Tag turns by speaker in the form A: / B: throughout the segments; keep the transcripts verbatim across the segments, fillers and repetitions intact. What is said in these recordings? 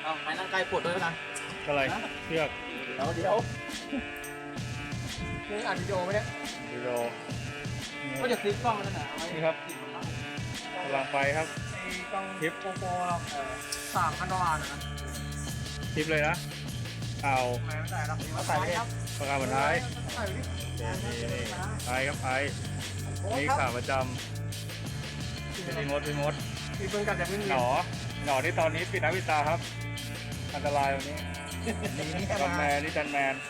A: เอาไม้นั่งใกล้ปวดด้วยกัน
B: อะไรเชือก
A: เดี๋ยวเดี๋ยวนี่อัดวิดีโอไหมเนี่ย
B: วิดีโอ
A: ก็จะซื้อกล้องนั่นแหละเอาไว้
B: นี่ครับกำลังไปครับ
A: ไอ้กล้อง
B: คลิป
A: โกโปรเราเออสามพันดอลลาร์นะ
B: คลิปเลยนะเอา
A: ไม่ไม่ใส่หรอกมาใส่ไปครับ
B: ประกาศบรรท้าย
A: ใส่ไปดิ
B: นี่นี่นี่ไอครับไอนี่ขาประจำพี่มดพี่มด
A: มีปืนกัดจากพื้น
B: หนอหนอที่ตอนนี้ปิดหน้าปิดตาครับอันตรายวันนี้
A: นี่นี่
B: จันแมนนี่จันแมน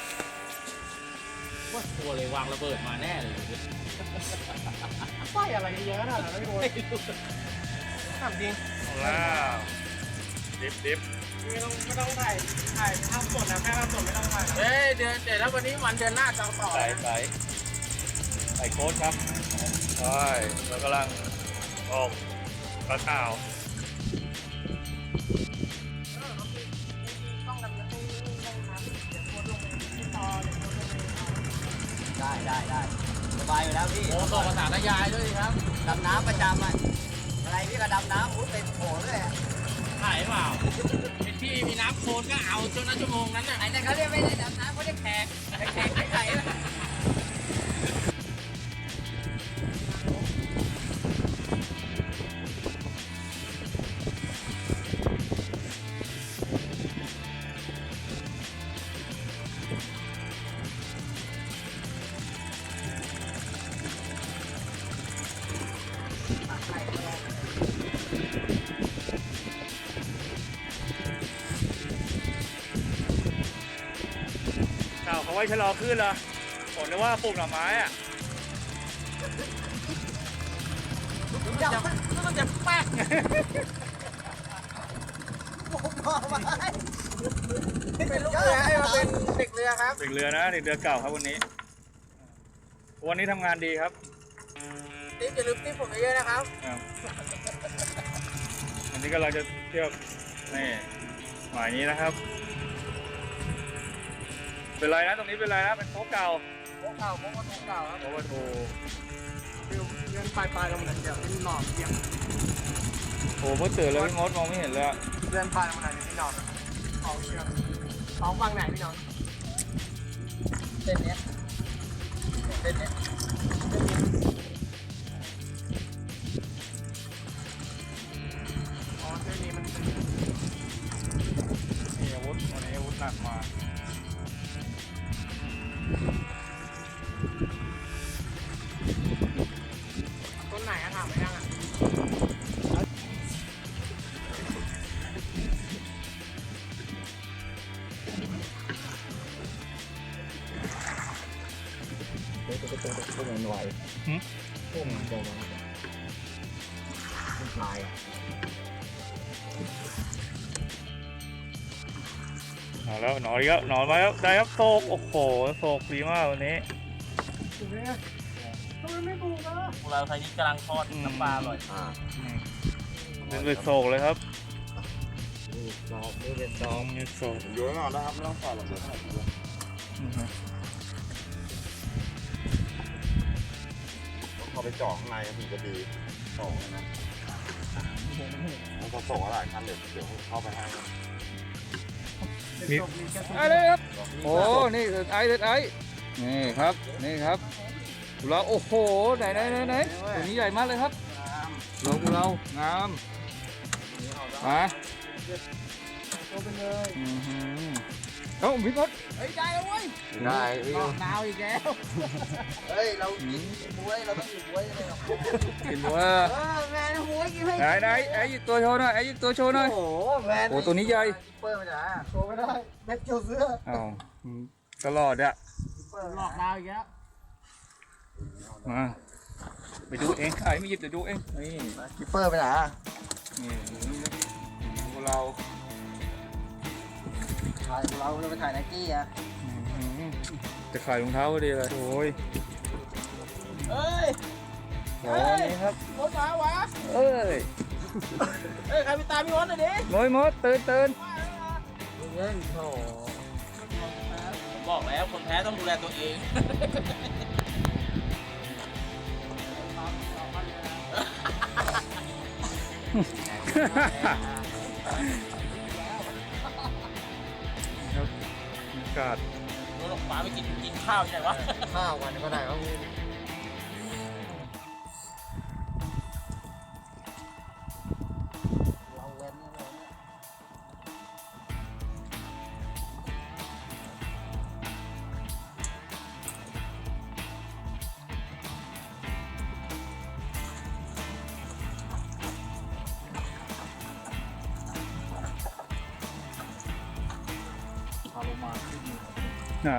C: ว่าตัวเลยวางระเบิดมาแน่เลย
A: ไฟอะไรเยอะขนาดนั้นไม่รู้ถามจริง
B: เอาแล้วดิฟดิฟ
A: ไม่ต้องไม่ต้องถ่ายถ่ายทำสดนะแค่ทำสดไม่ต้องถ่าย
C: เฮ้ยเดือนเดี๋ยวแล้ววันนี้วันเดือนหน้าจะต่อ
B: ใส่ใส่ใส่โค้ดครับใช่เรากำลังออกกระข่าว
A: ต้องดำน้ำต้องน้ำเดี๋ยวโคตรลงไปที่ต่อเดี๋ยวโคตรลงไป
D: ได้ได้ได้สบายอยู่แล้วพี่
C: โอ้ส่งภาษาทยายด้วยครับ
D: ดำน้ำประจำอ่ะอะไรพี่ก็ดำน้ำอุ้ยเป็นโผล่เลยอะ
C: ถ่ายเปล่าไอ้ที่มีน้ำโคลนก็เอาจนนั้นชั่วโมงนั้นน่ะ
D: ไอ้นั่นเขาเรียกไม่ได้ดำน้ำเขาเรียกแขกแขกไม่ใช่ละ
B: ข่าวเขาไว้ชะลอขึ้นเหรอผมนึกว่าปลูกหน่อไม้อะ
C: มันจะแป๊ก
D: ผมบอกมา
A: เป็นลูกเรือให้มาเป็นเด็กเรือครับ
B: เด็กเรือนะเด็กเรือเก่าครับวันนี้ วันนี้ทำงานดีครับ
A: ติ๊บอย่าลืมติ๊บผมเยอะๆนะครับ
B: ครับวันนี้ก็เราจะเที่ยวนี่หมายนี้นะครับ เป็นไรนะตรงนี้เป็นไรนะเป็นโต๊ะเก่า
A: โค้งเก่าโค้งกระทงเก่าครับ
B: โต๊ะประตู
A: ฟิวเงินปลายปลายๆลงมาหน่อยเดี๋ยวเป็นหนอนเปียก
B: โอ้เมื่อตื่นแล้วพี่มดมองไม่เห็นเลยอะ
A: เงินปลายลงมาหน่อยเดี๋ยวเป็นหนอนเอาเชือกเอาฟังไหนพี่น้อง
D: เส้นเนี้ยเส้นเนี้ย
A: อ๋อเส้นนี้มันเป็น
B: นี่อาวุธวันนี้อาวุธหนักมา
A: ต้นไหนอะถามไปยังอะ
D: พวกมันไหว
B: หึ
D: พวกมันจะไหวมันลาย
B: เอาแล้วหนอนอีกแล้วหนอนมาแล้วได้ครับโศกโอ้โหโศกดีมากวันนี้
A: ถูกไหมอะทำไมไม่ปลูกอะ
C: พวกเราไทยนี้กำลังทอดน้ำปลาอร่อย
D: อ่า
B: อืมเป็นเป็นโศกเลยครับ
D: นี่ดอกนี่เป็นด
B: น้
D: อ
B: อก งมีโศก
E: อยู่ข้างนอกนะครับไม่ต้องฝ่าหรอกเดี๋ยวถ่ายรูป
B: อือฮึ
E: ต้องเข้าไปเจ่อข้างในถึงจะดีส่งนะมันจะส่งอะไรคันเดี๋ยวเดี๋ยวเข้าไปให้นะ
B: มี
A: จบมีแค่ต้น
B: ไอ้เลยครับโอ้นี่คือไอ้เด็ดไอ้นี่ครับนี่ครับกุเราโอ้โหไหนไหนไหนไหนตัวนี้ใหญ่มากเลยครับเรากุเรางามมา
A: ตัวเป็นเลย
B: อือหือเอ้าพี่มด
A: เฮ้ยได้แล้วเว้ย
D: ได้พี่
A: ออกดาวอีกแล้ว
D: เฮ้ยเรากินบวยเราต้องกินบวยเลยหรอ
B: กินว่า
D: เออแมนบวยกินให้
B: ไหนไหนไอ้หยิบตัวโชว์หน่อยไอ้หยิบตัวโชว์หน่อย
D: โอ้โหแมน
B: โอ้ตัวนี้ใหญ่
D: เปิดมาจ้ะ
A: โชว์ไม่ได้แม็กเกียวเสื้อ
B: อ้าวตลอดอะ
A: หลอกดาวอีกแล้ว
B: มาไปดูเองไอ้ไม่หยิบเดี๋ยวดูเองนี่
D: คิปเปอร์ไปไหนอ่ะ
B: นี่พวกเรา
D: ถ่ายเราเราไปถ่ายไนกี้อ่ะ
B: อื้อหือจะขายรองเท้าพอดีเลยโอ้ย
A: เฮ้ย
B: โอ้ยนี่ครับ
A: รถมาวะ
B: เอ้ย
A: เฮ้ยใครไปตามพี่วอนหน่อยดิ
B: มดมดตื่นตื่น
D: เงี้ยโอ้
C: ผมบอกแล้วคนแพ้ต้องดูแลตัวเอง
B: เากาศ
C: รถหลงปลาไปกินกินข้าวที่ไหนวะ
D: ข้าววันก็ได้ครับพี่เราเว้นเลยเนี่ย พาลงมาขึ้น
B: นะ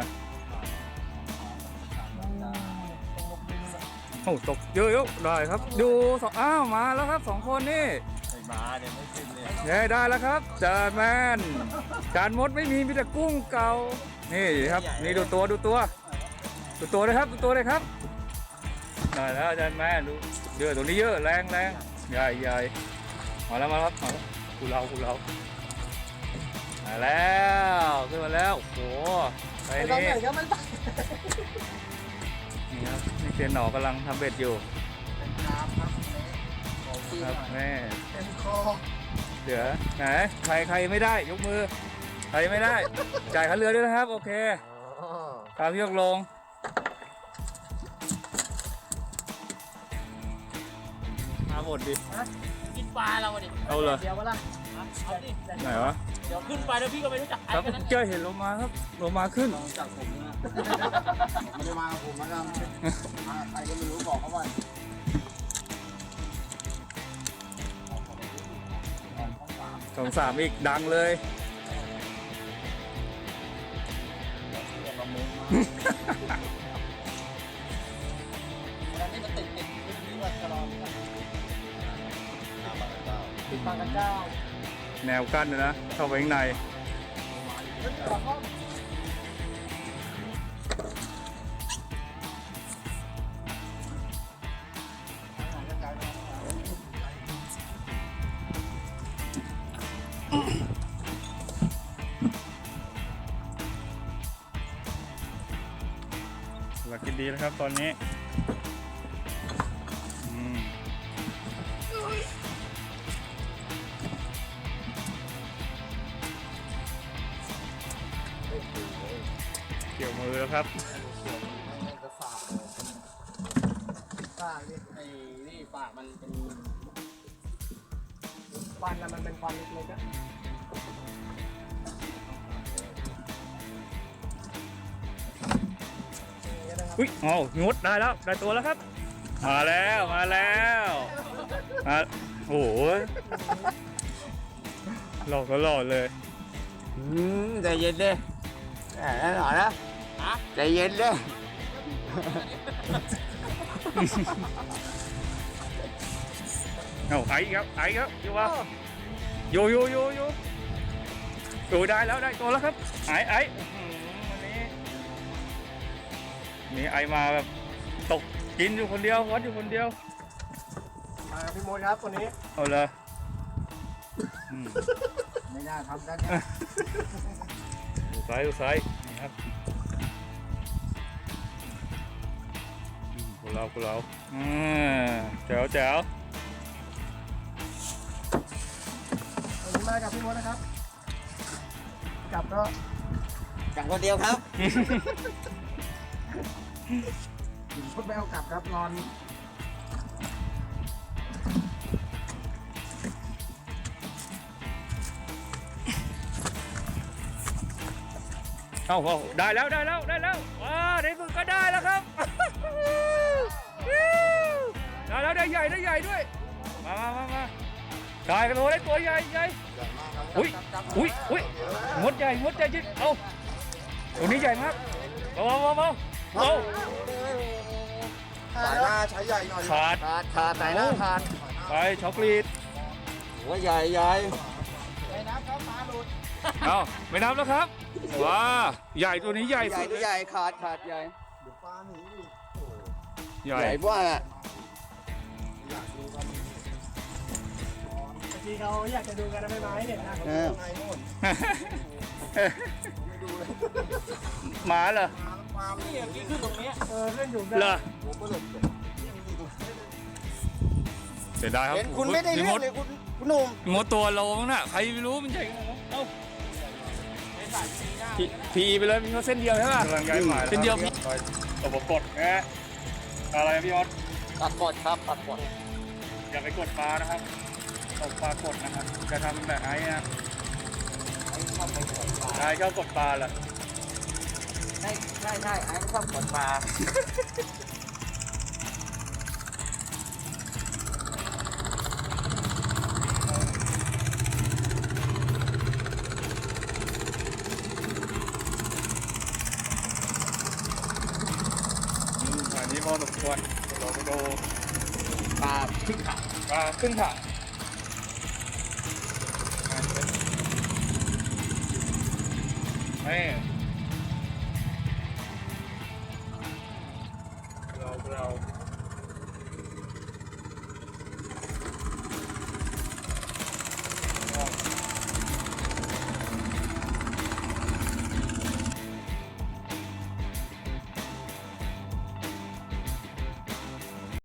B: โอ้ตกเยอะๆได้ครับ ดูสองอ้าวมาแล้วครับสองคนนี่
D: ไอ้มาเนี่ยไม่ขึ้นเลย
B: เนี่ยได้แล้วครับจานแมนจานมดไม่มีมีแต่กุ้งเก่านี่ครับนี่ดูตัวดูตัวดูตัวเลยครับดูตัวเลยครับได้แล้วจานแมนดูเยอะตัวนี้เยอะแรงแรงใหญ่ใหญ่มาแล้วมาแล้วมาแล้วกูเรากูเรามาแล้วขึ้นมาแล้วโอ้โหไป
D: ไอ้ตอน
B: นี่
D: ไหนก็มันตัด
B: นี่ครับนี่เซียนหนอกำลังทำเบ็ดอยู่
D: เป็นกราฟครับของพี่
B: ครับแม่
D: เป็นคอ
B: เดี๋ยวไหนใครใครไม่ได้ยกมือใครไม่ได้จ่ายค่าเรือด้วยนะครับโอเค
D: อ๋อ
B: ตามยกลงมาหมดดิ
C: กินปลาเราดิ
B: เอาเลย
D: เดี๋ยววะล่ะ
C: เอาดิ
B: ไหนวะ
C: เดี๋ยวขึ้นไปแล้วพี่ก็ไม่รู้จักใคร
B: ครับ
C: กันนะ
B: เจอเห็นลงมาครับลงมาขึ้น
D: จากผมนะไม่ได้มากับผมนะครับมาใครก็ไม่รู้บอกเขาว่า
B: สองสามอีกดังเลย
D: วันนี้มันติดติดติดนี่ว่าจะรอติดปากกระเจ้า
B: แนวกั้นนะนะเข้าไปข้างในหลักกินดีแล้วครับตอนนี้อืมเกี่ยวมือแล้วครับ
D: จะฝากเลยฝากดิไอ้นี่ฝากมันเป็น
A: ฟันน่ะมันเป็นฟันเล็กๆอะ
B: อุ้ยอ๋องดได้แล้วได้ตัวแล้วครับ มาแล้วมาแล้วมาโอ้โหหลอกก็หลอกเลย
D: อืมใจเย็นดิแหมหน่อยนะใจเย็นดิ
B: เอาไอ้ครับไอ้ครับอยู่วะโยโยโยโยดูได้แล้วได้ตัวแล้วครับไอ้ไอ้อื้อหือวันนี้นี่ไอ้มาแบบตกกินอยู่คนเดียววัดอยู่คนเดียว
A: มาพี่มดครับวันนี้
B: เอาเลยอืม
D: ไม่น่าทำกันเนี่ย
B: ดูซ้ายดูซ้ายนี่ครับอืมพวกเราพวกเราอืมแจ๋วแจ๋ว
A: วันนี้มากับพี่มดนะครับกลับก็
D: จังคนเดียวครับพูดไม่เอากลับครับนอน
B: เอาเอาได้แล้วได้แล้วได้แล้วว้าในสุดก็ได้แล้วครับ ได้แล้วได้ใหญ่ได้ใหญ่ด้วยมามามามาได้กันตัวได้ตัวใหญ่ใหญ่อุ้ยอุ้ยอุ้ยงดใหญ่งดใหญ่จริงเอาตัวนี้ใหญ่มากเบาเบาเบาเบา
E: สายหน้าใช้ใหญ่หน่อย
B: ขาด
D: ขาดขาดไหนนะขาด
B: ไปช็อกโกแลต
D: หัวใหญ่ใหญ่
B: เอาไม่นับแล้วครับว้าใหญ่ตัวนี้ใหญ่
D: ใหญ่
B: สุด
D: ตัวใหญ่ขาดขาดใหญ่
E: เดี๋ยวปลาหนีอีก
B: ใหญ่
D: ใหญ่กว่าอ่ะ
A: บางทีเขาอยากจะดูกันนะไม่ไม้เนี่ยนะ
D: เออ
E: ไงโน่น
B: หมาเหรอ
E: ปลา
C: นี่อย่างนี้ขึ้นตรงนี้
A: เออเล่นอยู่
B: เหรอ
E: หัวเปลือก
B: เสียดายครับ
D: เห็นคุณไม่ได้เรื่องเลยคุณคุณหนุ่ม
B: งดตัวโลงน่ะใครไม่รู้มันใหญ่ขนาดนั้นเอ้า
C: ในสายมีหน้า
B: จ
C: พีพีไปเลยมีเขาเส้นเดียวใช่ป่ะ
B: กำลังย้ายหมาย
C: เป็นเดียว
B: ตบกดนะอะไรพี่ออส
D: ตัดกดครับตัดกด
B: อย่าไปกดปลานะครับตกปลากดนะครับจะทำแบบไอ้นะ
D: ไอ้ชอบไปกดปลา
B: ไอ้ชอบกดปลาแหละ
D: ใช่ใช่ใช่ไอ้ชอบกดปลา
B: อันนี้พอสมควรเราไปดู
D: ปลาขึ้นขา
B: ปลาครึ่งถังนี่